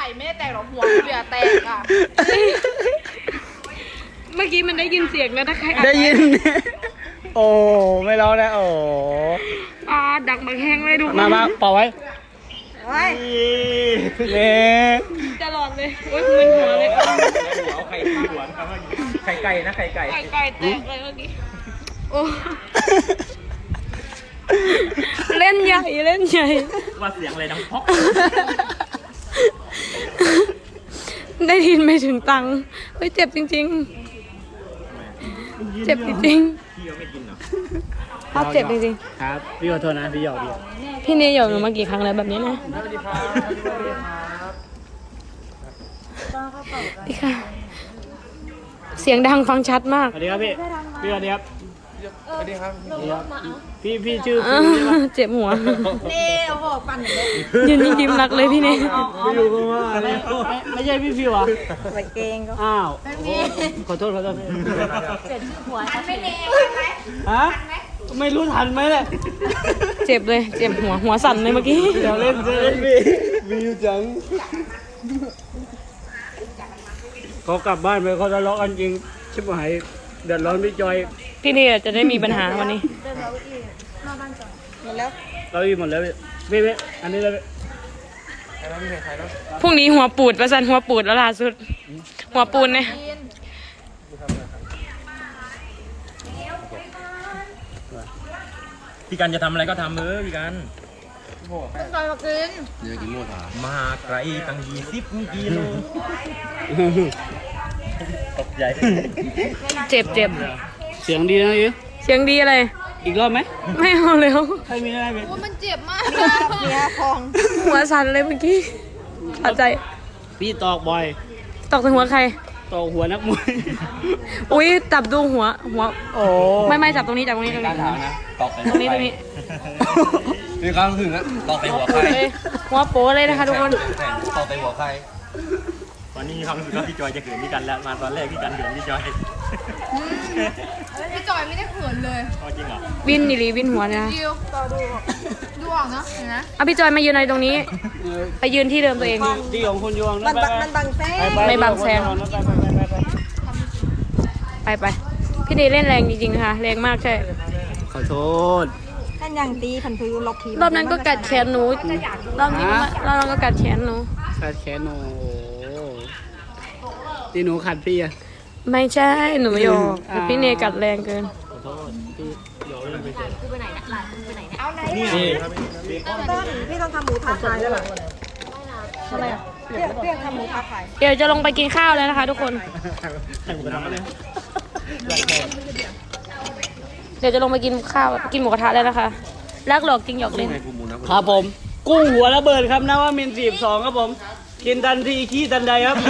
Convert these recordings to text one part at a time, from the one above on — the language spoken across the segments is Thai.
ไม่ได้แตกหรอกหัวเบียแตกอ่ะเมื่อกี้มันได้ยินเสียงแล้วนะใครได้ยิน โอ้ไม่ร้องนะโอ้ดักบักแห้งเลยดูมาเป่าไว้เนี่ยตลอดเลยโอ้ยมึนหัวเลยเอาไข่ที่หัวไข่ไก่นะไข่ไก่แตกเลยเมื่อกี้โอ้เล่นใหญ่ว่าเสียงอะไรดังพอกได้ยินไม่ถึงตังค์เฮ้ยเจ็บจริงๆเจ็บจริงพี่เขาไม่กินหรอภาพเจ็บจริงๆครับพี่ขอโทษนะพี่หยอกพี่เนี่ยหยอกหนูมากี่ครั้งแล้วแบบนี้นะพี่ค่ะเสียงดังฟังชัดมากสวัสดีครับพี่สวัสดีครับสวัสดีครับพี่ชื่อเจ็บหัวเน่โอ้โหปั่นเลยยืนยิ้มรักเลยพี่เน่ไม่รู้ก็ว่าไม่ใช่พี่ฟิวอ่ะไปเกงก็อ้าวขอโทษพี่เจ็บหัวไม่เน่ฮะไม่รู้ทันไหมเนี่ยเจ็บเลยเจ็บหัวสั่นเลยเมื่อกี้เดี๋ยวเล่นวิวจังเขากลับบ้านไปเขาทะเลาะกันจริงชิบหายเดือดร้อนพี่จอยพี่เนี่ยจะได้มีปัญหาวันนี้หมดแล้วเราอีหมดแล้วพี่อันนี้เลยพรุ่งนี้หัวปูดประสันหัวปูดแล้วล่าสุดหัวปูนเนี่ยพี่กันจะทำอะไรก็ทำพี่กันต้องจอยมากินเดี๋ยวกินหมดมาไกลตั้ง20 กิโลตกใจเจ็บเสียงดีนะยูเสียงดีอะไรอีกรอบไหมไม่เอาแล้วใครมีอะไรไหมมันเจ็บมากเนี่ยพองหัวสั่นเลยเมื่อกี้เข้าใจพี่ตอกบ่อยตอกถึงหัวใครตอกหัวนักมวยอุ้ยจับดูหัวโอ้ไม่จับตรงนี้ตรงนี้ตอกตรงนี้มีความรู้สึกนะตอกใส่หัวใครหัวโป้เลยนะคะทุกคนตอกใส่หัวใครตอนนี้มีความรู้สึกว่าพี่จอยจะเขินพี่กันแล้วมาตอนแรกพี่กันเขินพี่จอยพี่จอยไม่ได้เขินเลยจริงเหรอวินนี่วินหัวนะดิวต่อดูออกเนาะเห็นไหมพี่จอยมายืนอะไรตรงนี้ไปยืนที่เดิมตัวเองที่ของคุณยวงมันบังแซงไม่บังแซงไปพี่เนยเล่นแรงจริงๆนะคะแรงมากใช่ขอโทษท่านยังตีผันพื้นล็อกทีรอบนั้นก็กัดแขนหนูรอบนี้ก็กัดแขนหนูที่หนูขัดพี่อะไม่ใช่หนูโยพี่เนยกัดแรงเกินขอโทษพี่โยนไปเจอคือไปไหนนะหลานคือไปไหนนะเอาไหนต้นพี่ต้องทำหมูทาขายแล้วหรออะไรอ่ะเรียกทำหมูทาขายเดี๋ยวจะลงไปกินข้าวแล้วนะคะทุกคนเดี๋ยวจะลงไปกินข้าวกินหมูกระทะแล้วนะคะรักหลอกจริงหยอกเล่นครับผมกุ้งหัวระเบิดครับนะว่ามิน42ครับผมกินทันทีขี้ทันใดครับ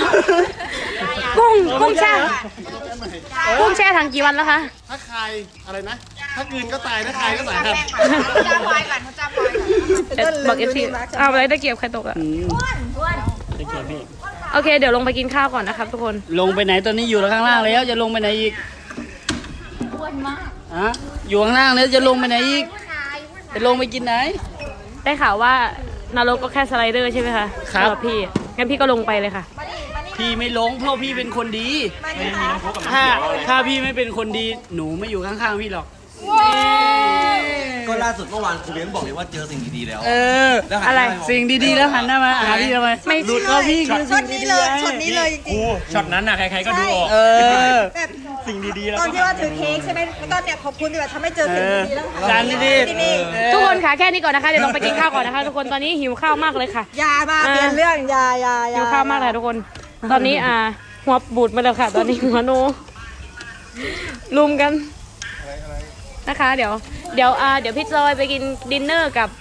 กุ้งแช่ถังกี่วันแล้วคะถ้าใครอะไรนะถ้ากืนก็ตายถ้าใครก็ตายครับจ้าพอยก่อนจ้าพอยก่อนบอกFCเอาอะไรตะเกียบใครตกอ่ะตะเกียบพี่โอเคเดี๋ยวลงไปกินข้าวก่อนนะครับทุกคนลงไปไหนตอนนี้อยู่ข้างล่างแล้วจะลงไปไหนอีกอ้วนมากอยู่ข้างล่างแล้วจะลงไปไหนอีกจะลงไปกินไหนได้ข่าวว่านรกก็แค่สไลเดอร์ใช่ไหมคะครับพี่งั้นพี่ก็ลงไปเลยค่ะพี่ไม่ลงเพราะพี่เป็นคนดีถ้าพี่ไม่เป็นคนดีหนูไม่อยู่ข้างๆพี่หรอกก็ล่าสุดเมื่อวานครูเลี้ยงบอกเลยว่าเจอสิ่งดีๆแล้วอะไรสิ่งดีๆแล้วหันหน้ามาหาพี่ทำไมไม่หลุดก็พี่คือช็อตนี้เลยช็อตนี้เลยจริงๆช็อตนั้นน่ะใครๆก็ดูออกแบบสิ่งดีๆแล้วตอนที่ว่าถือเค้กใช่ไหมแล้วก็เนี่ยขอบคุณที่แบบทำให้เจอสิ่งดีๆแล้วจานดีๆทุกคนค่ะแค่นี้ก่อนนะคะเดี๋ยวลงไปกินข้าวก่อนนะคะทุกคนตอนนี้หิวข้าวมากเลยค่ะยามาเปลี่ยนเรื่องยาหิวข้าวมากเลยทุกคนตอนนี้หัวบูดมาแล้วค่ะตอนนี้หัวโนลุมกันนะคะเดี๋ยวพี่จอยไปกินดินเนอร์กับ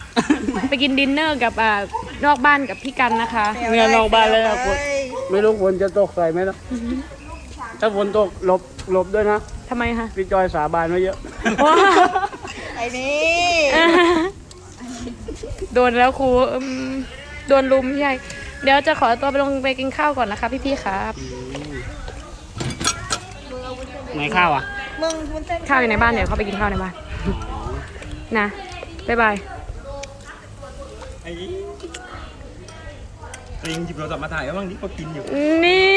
นอกบ้านกับพี่กันนะคะเนี่ยนอกบ้านเลยนะคุณไม่รู้ฝนจะตกใส่ไหมนะถ้าฝนตกหลบด้วยนะทำไมคะพี่จอยสาบานไว้เยอะไอ้นี่โดนแล้วครูโดนลุมใหญ่เดี๋ยวจะขอตัวไปลงไปกินข้าวก่อนนะคะพี่ๆครับไหนข้าวข้าวอยู่ในบ้านเดี๋ยวเขาไปกินข้าวในบ้านนะบ๊ายบายตัวเองหยิบโทรศัพท์มาถ่ายก็บ้างนี่ก็กินอยู่นี่